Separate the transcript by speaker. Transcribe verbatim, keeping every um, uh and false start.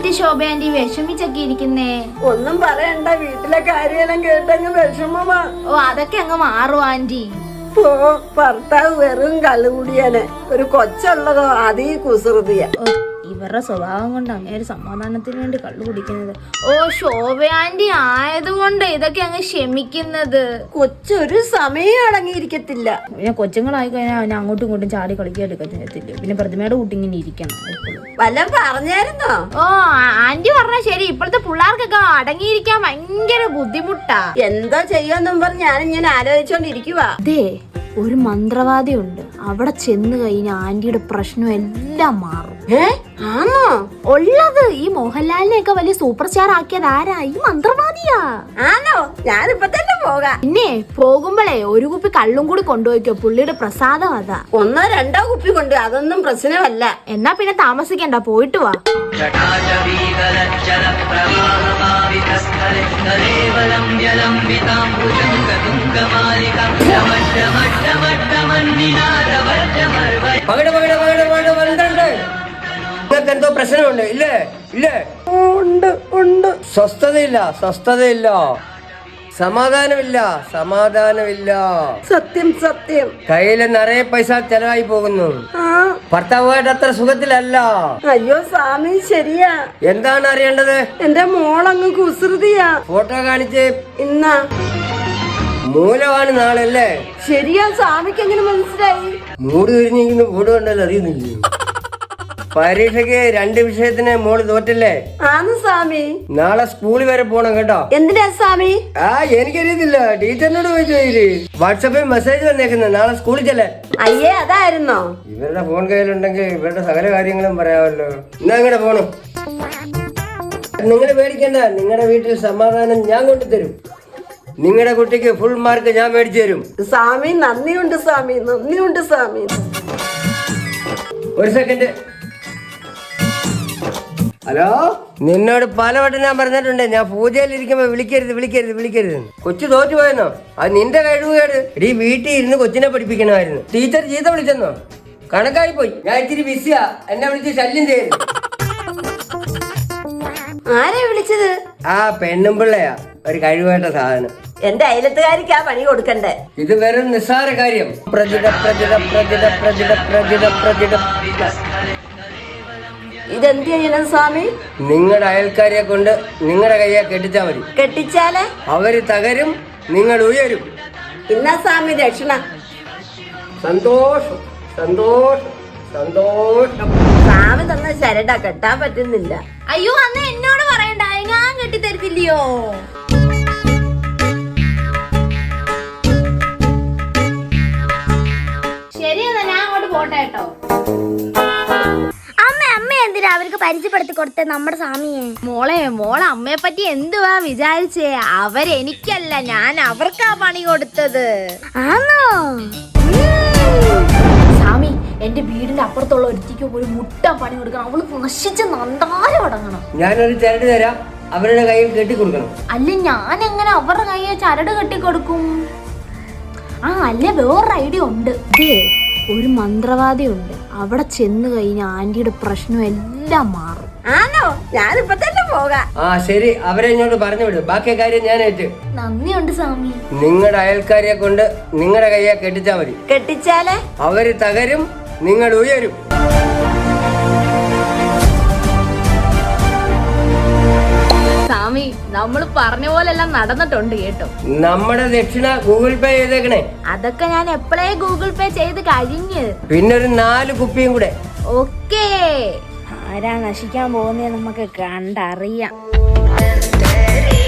Speaker 1: പറ്റി ശോഭ ആന്റി വിഷമിച്ചൊക്കെ ഇരിക്കുന്നേ?
Speaker 2: ഒന്നും പറയണ്ട, വീട്ടിലെ കാര്യമെല്ലാം കേട്ടങ്ങ് വിഷമമാ.
Speaker 1: ഓ അതൊക്കെ അങ്ങ് മാറും ആന്റി.
Speaker 2: ഓ ഭർത്താവ് വെറും കള്ളുകൂടിയാനെ, ഒരു കൊച്ചുള്ളതോ അതീ കുസൃതിയ.
Speaker 1: ഇവരുടെ സ്വഭാവം കൊണ്ട് അങ്ങനെ ഒരു സമാധാനത്തിന് വേണ്ടി കള്ളു കുടിക്കുന്നത്. ഓ ശോഭ ആന്റി ആയതുകൊണ്ട് ഇതൊക്കെ അങ്ങ് ക്ഷമിക്കുന്നത്.
Speaker 2: കൊച്ചൊരു സമയം അടങ്ങിയിരിക്കത്തില്ല.
Speaker 1: പിന്നെ കൊച്ചുങ്ങളായി കഴിഞ്ഞാൽ അവനെ അങ്ങോട്ടും ഇങ്ങോട്ടും ചാടി കളിക്കാൻ എടുക്കത്തില്ല. പിന്നെ പ്രതിമയുടെ കൂട്ടി ഇങ്ങനെ ഇരിക്കണം എപ്പോഴും.
Speaker 2: വല്ലതും പറഞ്ഞായിരുന്നോ?
Speaker 1: ഓ ആന്റി പറഞ്ഞ ശരി. ഇപ്പോഴത്തെ പിള്ളേർക്കൊക്കെ അടങ്ങിയിരിക്കാൻ ഭയങ്കര ബുദ്ധിമുട്ടാ.
Speaker 2: എന്താ ചെയ്യാന്നും പറഞ്ഞ് ഞാനിങ്ങനെ ആലോചിച്ചോണ്ടിരിക്കുവാ.
Speaker 1: അതെ, ഒരു മന്ത്രവാദി ഉണ്ട്. അവിടെ ചെന്ന് കഴിഞ്ഞാൽ ആന്റിയുടെ പ്രശ്നം എല്ലാം മാറും.
Speaker 2: ഏ ആണോ
Speaker 1: ഉള്ളത്? ഈ മോഹൻലാലിനെയൊക്കെ വലിയ സൂപ്പർ സ്റ്റാർ ആക്കിയത് ആരാ? ഈ മന്ത്രവാദിയാ.
Speaker 2: ആണോ? ഞാനിപ്പോ തന്നെ പോകാം.
Speaker 1: പിന്നെ പോകുമ്പോഴേ ഒരു കുപ്പി കള്ളും കൂടി കൊണ്ടുപോയിക്കോ, പുള്ളിയുടെ പ്രസാദം അതാ.
Speaker 2: ഒന്നോ രണ്ടോ കുപ്പി കൊണ്ട് അതൊന്നും പ്രശ്നമല്ല.
Speaker 1: എന്നാ പിന്നെ താമസിക്കണ്ട, പോയിട്ട് വാ.
Speaker 3: എന്തോ പ്രശ്നമുണ്ട് ഇല്ലേ? ഇല്ലേ?
Speaker 2: ഉണ്ട് ഉണ്ട്.
Speaker 3: സ്വസ്ഥതയില്ല, സ്വസ്ഥതയില്ല, സമാധാനമില്ല, സമാധാനമില്ല.
Speaker 2: സത്യം സത്യം.
Speaker 3: കയ്യില് നിറയെ പൈസ ചെലവായി പോകുന്നു.
Speaker 2: ആ
Speaker 3: ഭർത്താവുമായിട്ട് അത്ര സുഖത്തിലല്ല.
Speaker 2: അയ്യോ സ്വാമി, ശരിയാ.
Speaker 3: എന്താണ് അറിയേണ്ടത്?
Speaker 2: എന്റെ മോളങ്ങ് കുസൃതിയാ.
Speaker 3: ഫോട്ടോ കാണിച്ച്.
Speaker 2: ഇന്നാ
Speaker 3: മൂലമാണ് നാളല്ലേ?
Speaker 2: ശരിയാ. സ്വാമിക്ക് എങ്ങനെ മനസ്സിലായി?
Speaker 3: മൂട് കഴിഞ്ഞിരിക്കുന്ന മൂട് കണ്ടല്ലോ, അറിയുന്നില്ലേ? പരീക്ഷയ്ക്ക് രണ്ട് വിഷയത്തിന് മോള് തോറ്റല്ലേ?
Speaker 2: ആന്ന് സ്വാമി.
Speaker 3: നാളെ സ്കൂളിൽ വരെ പോണം കേട്ടോ.
Speaker 2: എന്തിനാ സ്വാമി?
Speaker 3: ആ എനിക്കറിയത്തില്ല, ടീച്ചറിനോട് ചോദിച്ചു. വാട്സാപ്പിൽ മെസ്സേജ് വന്നേക്കുന്നത് നാളെ സ്കൂളിൽ ചെല്ലേ.
Speaker 2: അയ്യേ അതായിരുന്നോ?
Speaker 3: ഇവരുടെ ഫോൺ കയ്യിലുണ്ടെങ്കിൽ ഇവരുടെ സകല കാര്യങ്ങളും പറയാമല്ലോ. എന്നാ ഇങ്ങടെ പോണു. നിങ്ങളെ പേടിക്കണ്ട, നിങ്ങളുടെ വീട്ടിൽ സമാധാനം ഞാൻ കൊണ്ടുതരും. നിങ്ങളുടെ കുട്ടിക്ക് ഫുൾ മാർക്ക് ഞാൻ മേടിച്ചു തരും.
Speaker 2: സ്വാമി നന്ദിയുണ്ട് സ്വാമി, നന്ദിയുണ്ട് സ്വാമി.
Speaker 3: ഒരു സെക്കൻഡ്. ഹലോ, നിന്നോട് പലവട്ടം ഞാൻ പറഞ്ഞിട്ടുണ്ട്, ഞാൻ പൂജയിൽ ഇരിക്കുമ്പോ വിളിക്കരുത് വിളിക്കരുത് വിളിക്കരുത്. കൊച്ചു തോറ്റു പോയെന്നോ? അത് നിന്റെ കഴിവുകേട്. ഈ വീട്ടിൽ ഇരുന്ന് കൊച്ചിനെ പഠിപ്പിക്കണമായിരുന്നു. ടീച്ചർ ചീത്ത വിളിച്ചെന്നോ? കണക്കായി പോയി. ഞാൻ ഇച്ചിരി ബിസിയാ, എന്നെ വിളിച്ച് ശല്യം ചെയ്യുന്നു.
Speaker 2: ആരെ വിളിച്ചത്?
Speaker 3: ആ പെണ്ണും പിള്ളയാ, ഒരു കഴിവേട്ട സാധനം.
Speaker 2: എന്റെ അയലത്തുകാരിക്കാ പണി കൊടുക്കണ്ടേ.
Speaker 3: ഇത് വെറും നിസ്സാര കാര്യം. പ്രജിത പ്രജിത പ്രജിത പ്രജിത പ്രജിത പ്രജിത
Speaker 2: ഇതെന്ത് ചെയ്യണം സ്വാമി?
Speaker 3: നിങ്ങളുടെ അയൽക്കാരെ കൊണ്ട് നിങ്ങളുടെ കയ്യെ കെട്ടിച്ചാ മതി.
Speaker 2: കെട്ടിച്ചാല്
Speaker 3: അവര് തകരും, നിങ്ങൾ ഉയരും.
Speaker 2: ഇന്നാ സ്വാമി ദക്ഷിണ.
Speaker 3: സന്തോഷം സന്തോഷം സന്തോഷം.
Speaker 2: സ്വാമി തന്ന ശരട കെട്ടാൻ പറ്റുന്നില്ല.
Speaker 1: അയ്യോ അന്ന് എന്നോട് പറയണ്ട, ഞാൻ കെട്ടിത്തരത്തില്ലയോ? ശരിയെന്നാ ഞാൻ അങ്ങോട്ട് പോട്ടെ കേട്ടോ.
Speaker 4: എന്തിനാ അവർക്ക് പരിചയപ്പെടുത്തി കൊടുത്തേ നമ്മുടെ സ്വാമിയെ?
Speaker 1: മോളെ മോളെ അമ്മയെ പറ്റി എന്തുവാ വിചാരിച്ചേ? അവരെനിക്കല്ല, ഞാൻ അവർക്കാ പണി കൊടുത്തത്.
Speaker 4: ആണോ?
Speaker 1: സ്വാമി, എന്റെ വീടിന്റെ അപ്പുറത്തുള്ള ഒരുത്തിക്ക് ഒരു മുട്ട പണി കൊടുക്കണം. അവള് നശിച്ച് നന്നാരം അടങ്ങണം.
Speaker 3: ഞാനൊരു ചരട് തരാം, അവരുടെ കയ്യിൽ കെട്ടിക്കൊടുക്കണം.
Speaker 1: അല്ല, ഞാൻ എങ്ങനെ അവരുടെ കയ്യെ ചരട് കെട്ടിക്കൊടുക്കും? ആ അല്ല, വേറൊരു ഐഡിയ ഉണ്ട്. ഒരു മന്ത്രവാദി ഉണ്ട്. അവിടെ ചെന്ന് കഴിഞ്ഞാൽ ആന്റിയുടെ പ്രശ്നം എല്ലാം മാറും.
Speaker 2: ആണോ? ഞാനിപ്പോ തന്നെ പോകാം.
Speaker 3: ആ ശരി, അവരെ ഇങ്ങോട്ട് പറഞ്ഞു വിടും. ബാക്കി കാര്യം ഞാൻ ഏറ്റു.
Speaker 1: നന്ദിയുണ്ട് സ്വാമി.
Speaker 3: നിങ്ങളുടെ അയൽക്കാരെ കൊണ്ട് നിങ്ങളുടെ കയ്യെ കെട്ടിച്ചാ മതി.
Speaker 2: കെട്ടിച്ചാല്
Speaker 3: അവര് തകരും, നിങ്ങൾ ഉയരും.
Speaker 1: സ്വാമി, നമ്മൾ പറഞ്ഞ പോലെല്ലാം നടന്നിട്ടുണ്ട് കേട്ടോ.
Speaker 3: നമ്മുടെ ദക്ഷിണ ഗൂഗിൾ പേ ചെയ്തേക്കണേ.
Speaker 1: അതൊക്കെ ഞാൻ എപ്പോഴേ ഗൂഗിൾ പേ ചെയ്ത് കഴിഞ്ഞ്.
Speaker 3: പിന്നൊരു നാല് കുപ്പിയും കൂടെ.
Speaker 1: ഓക്കേ. ആരാ നശിക്കാൻ പോകുന്നേ നമുക്ക് കണ്ടറിയാം.